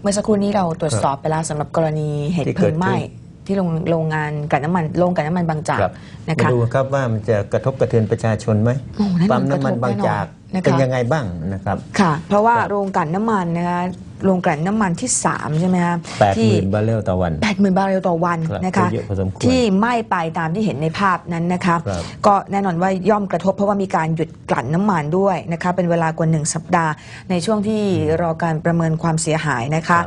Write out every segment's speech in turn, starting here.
มื่อสักครู่นี้เราตรวจสอบไปแล้วสำหรับกรณีเหตุเพลิงไหม้ที่โรงงานกลั่นน้ำมันโรงกลั่นน้ำมันบางจากนะคะมาดูครับว่ามันจะกระทบกระเทือนประชาชนไหมปั๊มน้ำมันบางจากเป็นยังไงบ้างนะครับค่ะเพราะว่าโรงกลั่นน้ำมันนะคะโรงกลั่นน้ำมันที่3ใช่ไหมคะ 80,000 บาร์เรลต่อวัน 80,000 บาร์เรลต่อวันนะคะที่ไหม้ไปตามที่เห็นในภาพนั้นนะคะก็แน่นอนว่าย่อมกระทบเพราะว่ามีการหยุดกลั่นน้ำมันด้วยนะคะเป็นเวลากว่า1 สัปดาห์ในช่วงที่รอการประเมินความเสียหายนะคะ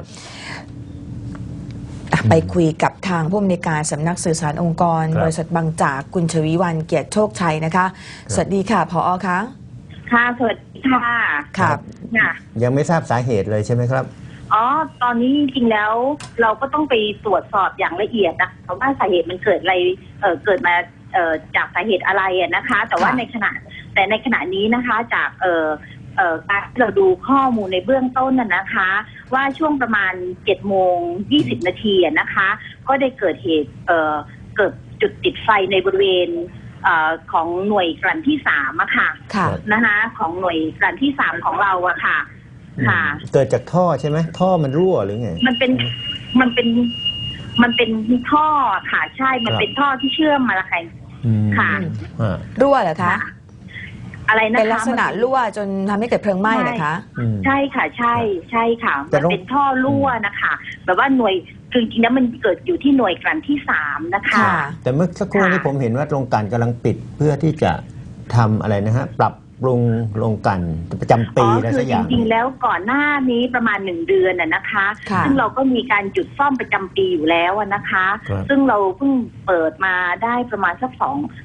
ไปคุยกับทางผู้อำนวยการสำนักสื่อสารองค์กรบริษัทบางจากคุณชวีวรรณเกียรติโชคชัยนะคะสวัสดีค่ะผอ.คะค่ะสวัสดีค่ะครับยังไม่ทราบสาเหตุเลยใช่ไหมครับอ๋อตอนนี้จริงๆแล้วเราก็ต้องไปตรวจสอบอย่างละเอียดนะเพราะว่าสาเหตุมันเกิดอะไรเกิดมาจากสาเหตุอะไรนะคะแต่ว่าในขณะนี้นะคะจากการที่เราดูข้อมูลในเบื้องต้นนะคะว่าช่วงประมาณ7:20 นาทีนะคะก็ได้เกิดเหตุเกิดจุดติดไฟในบริเวณของหน่วยกลั่นที่3อะค่ะนะคะของหน่วยกลั่นที่3ของเราอะค่ะค่ะเกิดจากท่อใช่ไหมท่อมันรั่วหรือไงมันเป็นท่อค่ะใช่มันเป็นท่อที่เชื่อมมาละค่ะรั่วเหรอคะอะไรนะคะเป็นลักษณะรั่วจนทำให้เกิดเพลิงไหม้เหรอคะใช่ค่ะใช่ค่ะมันเป็นท่อรั่วนะคะแบบว่าหน่วยคือจริงๆแล้วมันเกิดอยู่ที่หน่วยกลั่นที่3นะคะแต่เมื่อสักครู่นี้ผมเห็นว่าโรงกลั่นกำลังปิดเพื่อที่จะทำอะไรนะฮะปรับปรุงโรงกลั่นประจำปีอะไรสักอย่างจริงๆแล้วก่อนหน้านี้ประมาณ1 เดือนนะคะซึ่งเราก็มีการหยุดซ่อมประจำปีอยู่แล้วนะคะซึ่งเราเพิ่งเปิดมาได้ประมาณสัก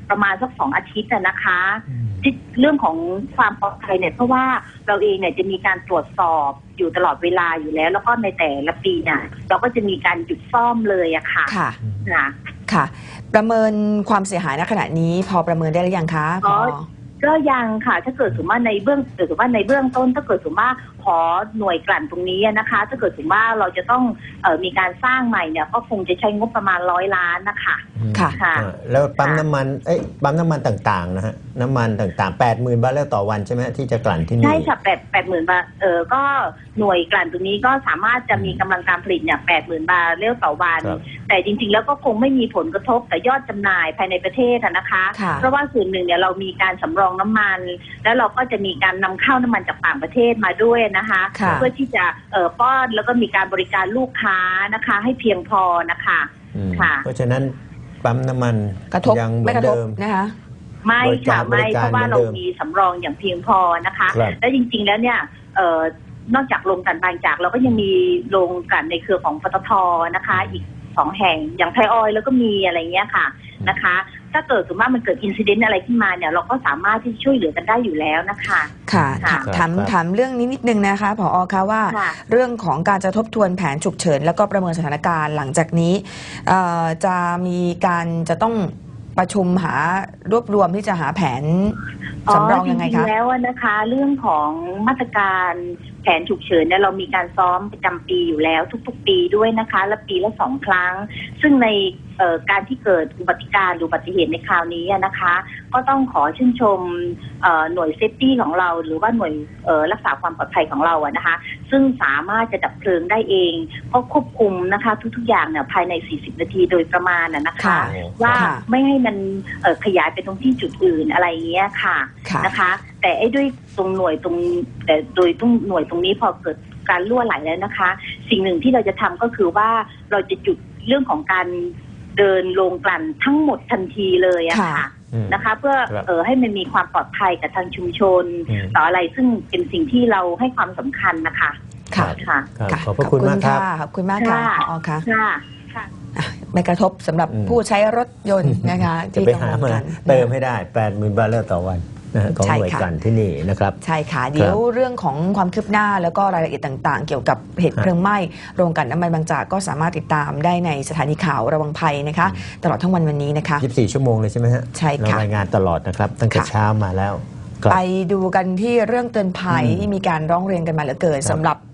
2 อาทิตย์นะคะเรื่องของความปลอดภัยเนี่ยเพราะว่าเราเองเนี่ยจะมีการตรวจสอบอยู่ตลอดเวลาอยู่แล้วแล้วก็ในแต่ละปีเนี่ยเราก็จะมีการหยุดซ่อมเลยอะค่ะค่ะประเมินความเสียหายณขณะนี้พอประเมินได้หรือยังคะก็ยังค่ะถ้าเกิดสมมติว่าในเบื้องต้นถ้าเกิดสมมติว่าขอหน่วยกลั่นตรงนี้นะคะถ้าเกิดสมมติว่าเราจะต้องมีการสร้างใหม่เนี่ยก็คงจะใช้งบประมาณ100 ล้านนะคะค่ะแล้วปั๊มน้ำมันต่างๆนะฮะน้ำมันต่างๆ 80,000 บาร์เรลต่อวันใช่ไหมที่จะกลั่นที่นี่ใช่ค่ะ80,000 บาร์ก็หน่วยกลั่นตรงนี้ก็สามารถจะมีกำลังการผลิตเนี่ย80,000 บาร์เรลต่อวันแต่จริงๆแล้วก็คงไม่มีผลกระทบแต่ยอดจำหน่ายภายในประเทศนะคะเพราะว่าส่วนหนึ่งเนี่ยเรามีการสำรองน้ำมันแล้วเราก็จะมีการนำเข้าน้ำมันจากต่างประเทศมาด้วยนะคะเพื่อที่จะป้อนแล้วก็มีการบริการลูกค้านะคะให้เพียงพอนะคะค่ะเพราะฉะนั้นปั๊มน้ำมันยังเหมือนเดิมนะคะไม่ค่ะไม่เพราะว่าเรามีสำรองอย่างเพียงพอนะคะและจริงๆแล้วเนี่ยนอกจากโรงกลั่นบางจากเราก็ยังมีโรงกลั่นในเครือของปตท.นะคะอีก2 แห่งอย่างไทยออยล์แล้วก็มีอะไรเงี้ยค่ะนะคะถ้าเกิดสมมติว่ามันเกิดอินซิเดนต์อะไรขึ้นมาเนี่ยเราก็สามารถที่ช่วยเหลือกันได้อยู่แล้วนะคะค่ะถามเรื่องนี้นิดนึงนะคะผอ.คะว่าเรื่องของการจะทบทวนแผนฉุกเฉินแล้วก็ประเมินสถานการณ์หลังจากนี้จะมีการจะต้องประชุมหารวบรวมที่จะหาแผนสำรองยังไงคะจริงๆแล้วนะคะเรื่องของมาตรการแผนฉุกเฉินเนี่ยเรามีการซ้อมประจำปีอยู่แล้วทุกๆปีด้วยนะคะและปีละ2 ครั้งซึ่งในการที่เกิดอุบัติการหรืออุบัติเหตุในคราวนี้นะคะก็ต้องขอชื่นชมหน่วยเซฟตี้ของเราหรือว่าหน่วยรักษาความปลอดภัยของเรานะคะซึ่งสามารถจะดับเพลิงได้เองเพราะควบคุมนะคะทุกๆอย่างเนี่ยภายใน40 นาทีโดยประมาณนะคะว่าไม่ให้มันขยายไปตรงที่จุดอื่นอะไรเงี้ยค่ะนะคะแต่ด้วยตรงหน่วยตรงแต่โดยตรงหน่วยตรงนี้พอเกิดการรั่วไหลแล้วนะคะสิ่งหนึ่งที่เราจะทำก็คือว่าเราจะจุดเรื่องของการเดินโรงกลั่นทั้งหมดทันทีเลยอะค่ะนะคะเพื่อให้มันมีความปลอดภัยกับทางชุมชนต่ออะไรซึ่งเป็นสิ่งที่เราให้ความสำคัญนะคะค่ะขอบคุณมากครับขอบคุณมากค่ะผอ.ค่ะไม่กระทบสำหรับผู้ใช้รถยนต์นะคะจะไปหามาเติมให้ได้ 80,000 บาร์เรลต่อวันของหน่วยกลั่นที่นี่นะครับใช่ค่ะเดี๋ยวเรื่องของความคืบหน้าแล้วก็รายละเอียดต่างๆเกี่ยวกับเหตุเพลิงไหม้โรงกลั่นน้ำมันบางจากก็สามารถติดตามได้ในสถานีข่าวระวังภัยนะคะตลอดทั้งวันนี้นะคะ 24 ชั่วโมงเลยใช่ไหมฮะใช่ค่ะรายงานตลอดนะครับตั้งแต่เช้ามาแล้วไปดูกันที่เรื่องเตือนภัยที่มีการร้องเรียนกันมาเหลือเกินสำหรับ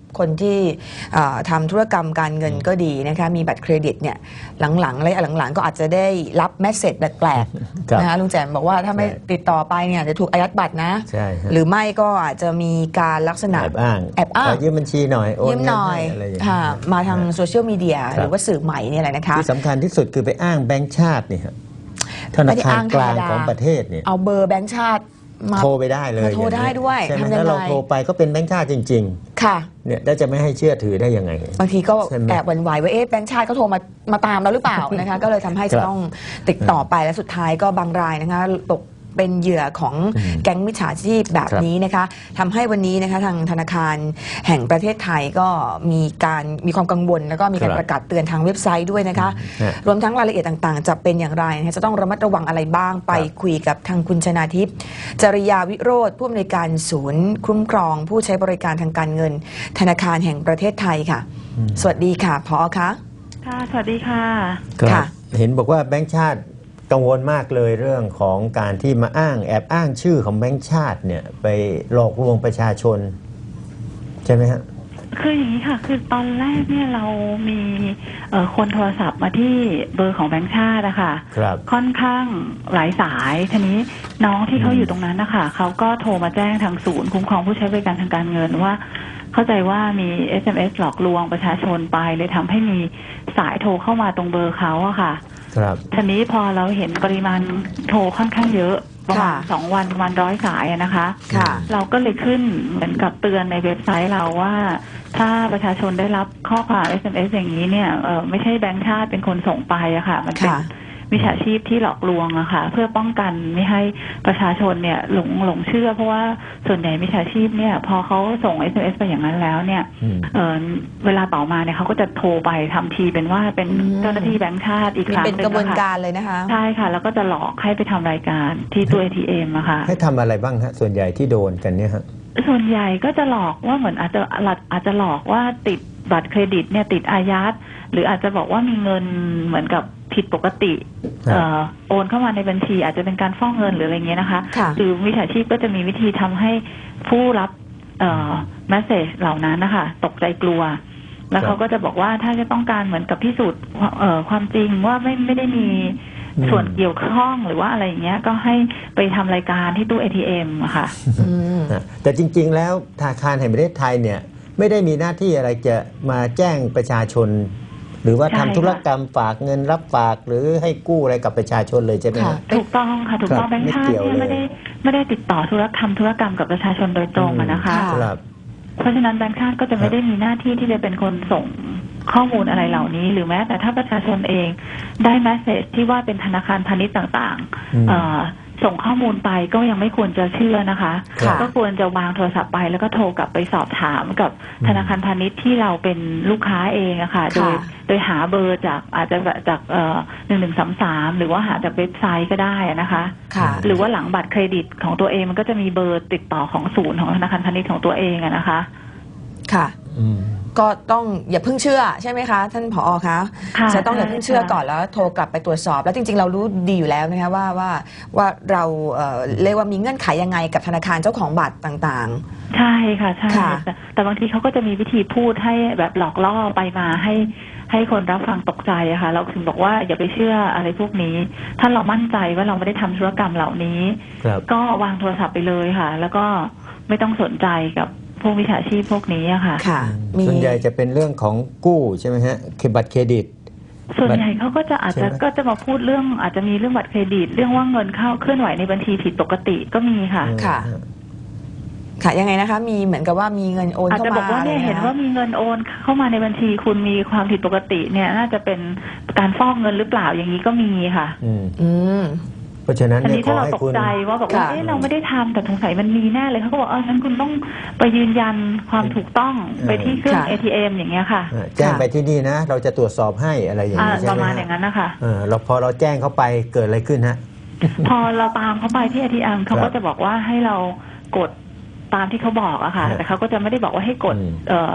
คนที่ทำธุรกรรมการเงินก็ดีนะคะมีบัตรเครดิตเนี่ยหลังๆและหลังๆก็อาจจะได้รับเมสเสจแปลกๆนะคะลุงแจมบอกว่าถ้าไม่ติดต่อไปเนี่ยจะถูกอายัดบัตรนะใช่ฮะหรือไม่ก็อาจจะมีการลักษณะแอบอ้าง ขอยืมบัญชีหน่อยโอนยืมเงิหนน่อยให้อะไรอย่างค่ะเงี้ยมาทางโซเชียลมีเดียหรือว่าสื่อใหม่เนี่ยแหละนะคะที่สำคัญที่สุดคือไปอ้างแบงก์ชาตินี่ครับธนาคารกลางของประเทศเนี่ยเอาเบอร์แบงค์ชาติมาโทรไปได้เลยมาโทรได้ด้วยใช่ไหมทำยังไงถ้าเราโทรไปก็เป็นแบงก์ชาติจริงค่ะๆเนี่ยแล้วจะไม่ให้เชื่อถือได้ยังไงบางทีก็ใช่ไหมแอบหวั่นไหวว่าแบงค์ชาติเขาโทรมาตามเราหรือเปล่านะคะ ก็เลยทำให้ครัจะบต้องติดต่อไปและสุดท้ายก็บางรายนะคะตกเป็นเหยื่อของแก๊งมิจฉาชีพแบบนี้นะคะทำให้วันนี้นะคะทางธนาคารแห่งประเทศไทยก็มีความกังวลแล้วก็มีการครับประกาศเตือนทางเว็บไซต์ด้วยนะคะฮะรวมทั้งรายละเอียดต่างๆ จะเป็นอย่างไรนะคะจะต้องระมัดระวังอะไรบ้างไปคุยกับทางคุณชนาทิพย์จริยาวิโรธผู้อำนวยการศูนย์คุ้มครองผู้ใช้บริการทางการเงิน ธนาคารแห่งประเทศไทยค่ะ สวัสดีค่ะผอคะค่ะ สวัสดีค่ะค่ะเห็นบอกว่าแบงก์ชาติกังวลมากเลยเรื่องของการที่มาแอบอ้างชื่อของแบงก์ชาติเนี่ยไปหลอกลวงประชาชนใช่ไหมฮะคืออย่างนี้ค่ะ คือตอนแรกเนี่ยเรามีคนโทรศัพท์มาที่เบอร์ของแบงค์ชาตินะคะครับค่อนข้างหลายสาย ทีนี้น้องที่เขาอยู่ตรงนั้นนะคะเขาก็โทรมาแจ้งทางศูนย์คุ้มครองผู้ใช้บริการทางการเงินว่า เข้าใจว่ามี SMS หลอกลวงประชาชนไปเลยทำให้มีสายโทรเข้ามาตรงเบอร์เขาอะค่ะครับทีนี้พอเราเห็นปริมาณโทรค่อนข้างเยอะประมาณค่ะ 2 วันประมาณ100 สายอะนะคะค่ะเราก็เลยขึ้นเหมือนกับเตือนในเว็บไซต์เราว่า ถ้าประชาชนได้รับข้อความ SMS อย่างนี้เนี่ยไม่ใช่แบงค์ชาติเป็นคนส่งไปอะค่ะ มันเป็นค่ะมิจฉาชีพที่หลอกลวงอะค่ะ เพื่อป้องกันไม่ให้ประชาชนเนี่ยหลงเชื่อ เพราะว่าส่วนใหญ่มิจฉาชีพเนี่ยพอเขาส่ง SMS ไปอย่างนั้นแล้วเนี่ย เวลาต่อมาเนี่ยเขาก็จะโทรไปทำทีเป็นว่าเป็นเจ้าหน้าที่แบงค์ชาติอีกครั้งหเป็นนึ่งกระบวนนะคะการเลยนะคะใช่ค่ะ แล้วก็จะหลอกให้ไปทำรายการที่ตู้ ATM อะค่ะให้ทำอะไรบ้างฮะส่วนใหญ่ที่โดนกันเนี่ยฮะส่วนใหญ่ก็จะหลอกว่าเหมือนอาจจะหลอกว่าติดบัตรเครดิตเนี่ยติดอายัดหรืออาจจะบอกว่ามีเงินเหมือนกับผิดปกติครับโอนเข้ามาในบัญชี อาจจะเป็นการฟอกเงินหรืออะไรเงี้ยนะคะค่ะหรือมิจฉาชีพก็จะมีวิธีทำให้ผู้รับเมสเซจเหล่านั้นนะคะตกใจกลัว แล้วเขาก็จะบอกว่าถ้าจะต้องการเหมือนกับพิสูจน์ความจริงว่าไม่ได้มีส่วนเกี่ยวข้องหรือว่าอะไรอย่างเงี้ยก็ให้ไปทำรายการที่ตู้ ATM อะค่ะอืมแต่จริงๆแล้วธนาคารแห่งประเทศไทยเนี่ยไม่ได้มีหน้าที่อะไรจะมาแจ้งประชาชน หรือว่าใช่ทำค่ะธุรกรรมฝากเงินรับฝากหรือให้กู้อะไรกับประชาชนเลยใช่ไหมค่ะฮะถูกต้องค่ะถูกต้องครับแบงค์ชาติไม่เกี่ยวเนี่ยเลยไม่ได้ติดต่อธุรกรรมกับประชาชนโดยตรงอะนะคะค่ะครับเพราะฉะนั้นแบงค์ชาติก็จะไม่ได้มีหน้าที่ที่จะเป็นคนส่งข้อมูลอะไรเหล่านี้ หรือแม้แต่ถ้าประชาชนเองได้แมสเซจที่ว่าเป็นธนาคารพาณิชย์ต่างอืมส่งข้อมูลไปก็ยังไม่ควรจะเชื่อนะคะค่ะก็ควรจะวางโทรศัพท์ไปแล้วก็โทรกลับไปสอบถามกับธนาคารพาณิชย์ที่เราเป็นลูกค้าเองอะค่ะค่ะโดยหาเบอร์จากอาจจะจาก1133หรือว่าหาจากเว็บไซต์ก็ได้นะคะค่ะหรือว่าหลังบัตรเครดิตของตัวเองมันก็จะมีเบอร์ติดต่อของศูนย์ของธนาคารพาณิชย์ของตัวเองอะนะคะค่ะอืมก็ต้องอย่าเพิ่งเชื่อใช่ไหมคะ ท่านผอคะค่ะจะต้องอย่าเพิ่งเชื่อใช่ค่ะก่อนแล้วโทรกลับไปตรวจสอบ แล้วจริงๆ เรารู้ดีอยู่แล้วนะคะว่าเราเรียกว่ามีเงื่อนไขยังไงกับธนาคารเจ้าของบัตรต่างใช่ค่ะใช่ค่ะแต่บางทีเขาก็จะมีวิธีพูดให้แบบหลอกล่อไปมาให้คนรับฟังตกใจอะค่ะ เราถึงบอกว่าอย่าไปเชื่ออะไรพวกนี้ ถ้าเรามั่นใจว่าเราไม่ได้ทำธุรกรรมเหล่านี้ครับก็วางโทรศัพท์ไปเลยค่ะ แล้วก็ไม่ต้องสนใจกับพวกวิชาชีพพวกนี้อะค่ะๆ ค่ะ มีส่วนใหญ่จะเป็นเรื่องของกู้ใช่ไหมฮะบัตรเครดิตส่วนใหญ่เขาก็จะอาจจะใช่ไหมก็จะมาพูดเรื่องอาจจะมีเรื่องบัตรเครดิต เรื่องว่าเงินเข้าเคลื่อนไหวในบัญชีผิดปกติก็มีค่ะค่ะ ค่ะยังไงนะคะ มีเหมือนกับว่ามีเงินโอนอาจเข้าจะมาบอกว่าเนี่ยอะไรเห็นนะว่ามีเงินโอนเข้ามาในบัญชีคุณมีความผิดปกติเนี่ยน่าจะเป็นการฟอกเงินหรือเปล่าอย่างนี้ก็มีค่ะอืมอืมเพราะฉะนั้นอันเนี่ยนี้ขถ้าอเราให้ตกคุณใจว่าบอกว่าค่ะเอ๊ะเราไม่ได้ทำแต่สงสัยมันมีแน่เลยเขาก็บอกงั้นคุณต้องไปยืนยันความถูกต้องไปที่เครื่องค่ะ ATM อย่างเงี้ยค่ะแจ้งไปที่นี่นะ เราจะตรวจสอบให้อะไรอย่างนี้ใช่ประไหมมาณฮะอย่างนั้นนะคะเราพอเราแจ้งเข้าไปเกิดอะไรขึ้นฮะพอเราตามเขาไปที่ ATM เขาครัก็บจะบอกว่าให้เรากดตามที่เขาบอกอะค่ะฮะแต่เขาก็จะไม่ได้บอกว่าให้กดอืม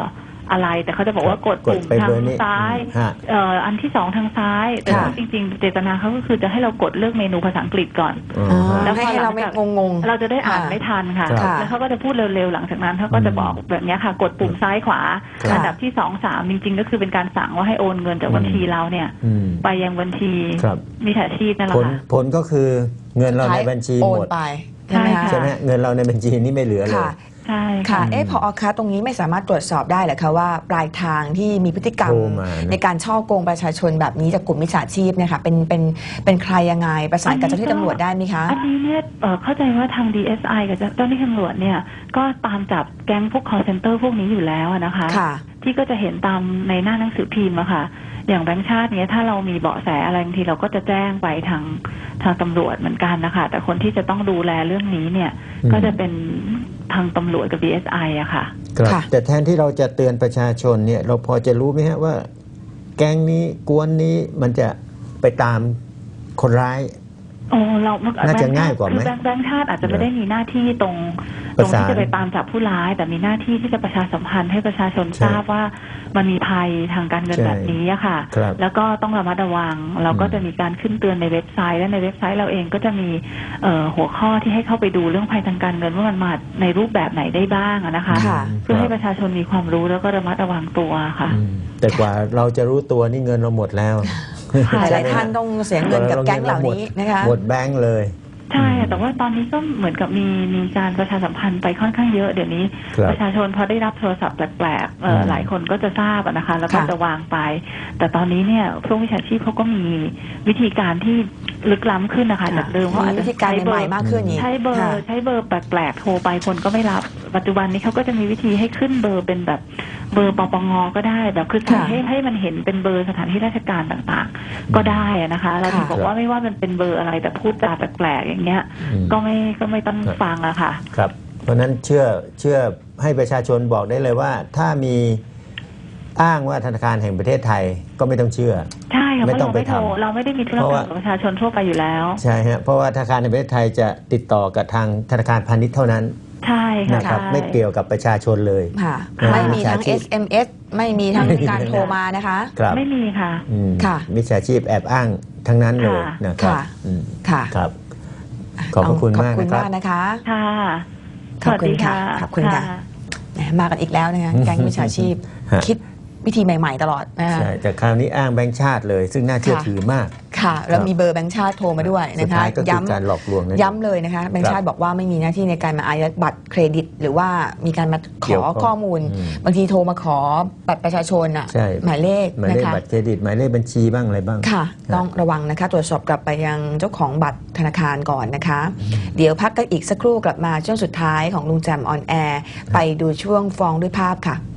อะไร แต่เขาจะบอกว่ากดปุ่มไปทางเบอร์นี้ซ้ายฮะอันที่สองทางซ้ายแต่ค่ะจริงๆเจตนาเขาก็คือจะให้เรากดเลือกเมนูภาษาอังกฤษก่อนอ๋ออ๋อฮะแล้วให้เราไม่งงเราจะได้อ่านไม่ทันค่ะครับแล้วเขาก็จะพูดเร็วๆหลังจากนั้นเขาก็จะบอกแบบนี้ค่ะ กดปุ่มซ้ายขวาค่ะอันดับที่2 3จริงๆก็คือเป็นการสั่งว่าให้โอนเงินจากบัญชีเราเนี่ยอืมไปยังบัญชีครับมิจฉาชีพนั่นแหละผลค่ะผลก็คือเงินเราๆในบัญชีโอหนมดไปใช่ไหมใช่คะใช่ไหมเงินเราในบัญชีนี่ไม่เหลือเลยค่ะใช่ค่ะค่ะผอคะตรงนี้ไม่สามารถตรวจสอบได้เหรอคะว่าปลายทางที่มีพฤติกรรมโทรมานะในการช่อโกงประชาชนแบบนี้จากกลุ่มมิจฉาชีพเนี่ยค่ะเป็นใครยังไงประสานกับเจ้าหน้าที่ตำรวจได้ไหมคะอันนี้เนี่ยเข้าใจว่าทาง DSI กับเจ้าหน้าที่ตำรวจเนี่ยก็ตามจับแก๊งพวก call center พวกนี้อยู่แล้วนะคะค่ะที่ก็จะเห็นตามในหน้าหนังสือพิมพ์อะค่ะ อย่างแบงค์ชาติเนี้ยถ้าเรามีเบาะแสอะไรบางทีเราก็จะแจ้งไปทางตำรวจเหมือนกันนะคะแต่คนที่จะต้องดูแลเรื่องนี้เนี่ยอืมก็จะเป็นทางตำรวจกับ DSI อะค่ะครับค่ะแต่แทนที่เราจะเตือนประชาชนเนี่ยเราพอจะรู้ไหมฮะว่า แก๊งนี้กวนนี้มันจะไปตามคนร้ายโอ้เราน่าจะง่ายกว่าไหมคือแบงค์ชาติอาจจะไม่ได้มีหน้าที่ตรงประสานที่จะไปตามจับผู้ร้าย แต่มีหน้าที่ที่จะประชาสัมพันธ์ให้ประชาชนใช่ทราบว่ามันมีภัยทางการเงินใช่แบบนี้อะค่ะครับแล้วก็ต้องระมัดระวัง เราก็อืมจะมีการขึ้นเตือนในเว็บไซต์และในเว็บไซต์เราเองก็จะมีหัวข้อที่ให้เข้าไปดูเรื่องภัยทางการเงินว่ามันมาในรูปแบบไหนได้บ้างอะนะคะค่ะเพื่อให้ประชาชนมีความรู้แล้วก็ระมัดระวังตัวค่ะอืมแต่กว่าเราจะรู้ตัวนี่เงินเราหมดแล้วค่ะหลายๆท่านต้องเสียเงินกับแก๊งเหล่านี้นะคะหมดแบงค์เลยใช่แต่ว่าตอนนี้ก็เหมือนกับมีการประชาสัมพันธ์ไปค่อนข้างเยอะเดี๋ยวนี้ครับประชาชนพอได้รับโทรศัพท์แปลกๆอืมหลายคนก็จะทราบอะนะคะ แล้วก็ค่ะจะวางไป แต่ตอนนี้เนี่ยพวกวิชาชีพเขาก็มีวิธีการที่ลึกล้ำขึ้นนะคะจากเดิมเขาอาจมีจะวิธีการใหม่ๆมากขึ้นอีกใช้เบอค่ะร์ใช้เบอร์แปลกๆโทรไปคนก็ไม่รับ ปัจจุบันนี้เขาก็จะมีวิธีให้ขึ้นเบอร์เป็นแบบเบอร์ปปงก็ได้แบบคือใส่ค่ะให้มันเห็นเป็นเบอร์สถานที่ราชการต่างๆ ก็ได้อะนะคะ เราถึงค่ะบอกว่าไม่ว่ามันเป็นเบอร์อะไรแต่พูดจาแปลกๆอย่างเงี้ยอืมก็ไม่ต้องฟังอะค่ะครับ เพราะฉะนั้นเชื่อให้ประชาชนบอกได้เลยว่า ถ้ามีอ้างว่าธนาคารแห่งประเทศไทยก็ไม่ต้องเชื่อใช่ค่ะเพไม่ราะต้องเราไม่โทรไปทำเราไม่ได้มีธุรเพราะกรรว่ามกับประชาชนทั่วไปอยู่แล้วใช่ฮะเพราะว่าธนาคารแห่งประเทศไทยจะติดต่อกับทางธนาคารพาณิชย์เท่านั้นใช่ค่ะนะครับใช่ไม่เกี่ยวกับประชาชนเลยค่ะอ่าไม่มีทั้งมิจฉาชีพ SMS ไม่มีทั้งไม่มีการทั้งโทรมานะคะครับไม่มีค่ะอืมค่ะมิจฉาชีพแอบอ้างทั้งนั้นเลยค่ะนะครับค่ะอืมค่ะครับ ขอบพระคุณขอบมากคุณนะครับมากนะคะค่ะขอบคุณค่ะสวัสดีขอบคุณค่ะ แหมมากันอีกแล้วนะคะแก๊งมิจฉาชีพฮะคิดวิธีใหม่ ๆ ตลอดนะคะใช่แต่คราวนี้อ้างแบงค์ชาติเลย ซึ่งน่าเชื่อค่ะถือมากค่ะแล้วมีเบอร์แบงค์ชาติโทรมาด้วยสุนะดคะท้ายก็คือการหลอกลวงนั่นเองย้ำเลยนะคะแบงค์ชาติบอกว่าไม่มีหน้าที่ในการมาอายัดบัตรเครดิต หรือว่ามีการมาขเกี่ยวอข้องข้อมูลอืมบางทีโทรมาขอบัตรประชาชนอ่ะใช่หมายเลขหมายนะเลขคะบัตรเครดิตหมายเลขบัญชีบ้างอะไรบ้างค่ะ ต้องระวังนะคะ ตรวจสอบกลับไปยังเจ้าของบัตรธนาคารก่อนนะคะ เดี๋ยวพักกันอีกสักครู่กลับมาช่วงสุดท้ายของลุงแจมออนแอร์ไปดูช่วงฟ้องด้วยภาพค่ะ